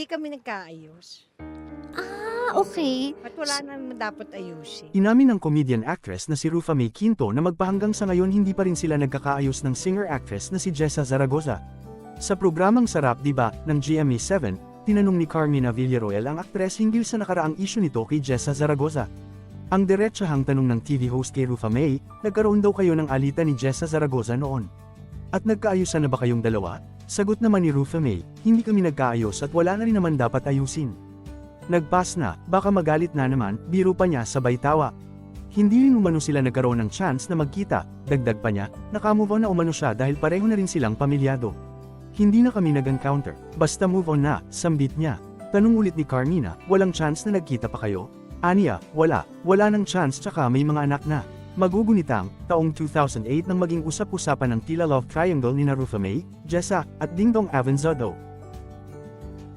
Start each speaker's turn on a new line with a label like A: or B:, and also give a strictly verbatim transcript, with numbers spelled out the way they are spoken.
A: hindi kami nagkaayos.
B: Ah, okey.
A: At wala naman dapat ayusin.
C: Inamin ng comedian actress na si Rufa May Quinto na magpahanggang sa ngayon hindi pa rin sila nagkakaayos ng singer-actress na si Jessa Zaragoza. Sa programang Sarap Diba ng G M A seven, tinanong ni Carmina Villaroel ang aktres hinggil sa nakaraang issue nito kay Jessa Zaragoza. Ang diretsahang tanong ng T V host kay Rufa May, nagkaroon daw kayo ng alitan ni Jessa Zaragoza noon. At nagkaayusan na ba kayong dalawa? Sagot naman ni Rufa May, hindi kami nagkaayos at wala na rin naman dapat ayusin. Nagpas na, baka magalit na naman, biro pa niya sabay tawa. Hindi rin umano sila nagkaroon ng chance na magkita, dagdag pa niya, nakamove on na umano siya dahil pareho na rin silang pamilyado. Hindi na kami nag-encounter, basta move on na, sambit niya. Tanong ulit ni Carmina, walang chance na nagkita pa kayo? Aniya, wala, wala ng chance tsaka may mga anak na. Magugunitang, taong two thousand eight nang maging usap-usapan ng tila love triangle ni Rufa May, Jessa, at Dingdong Avanzado.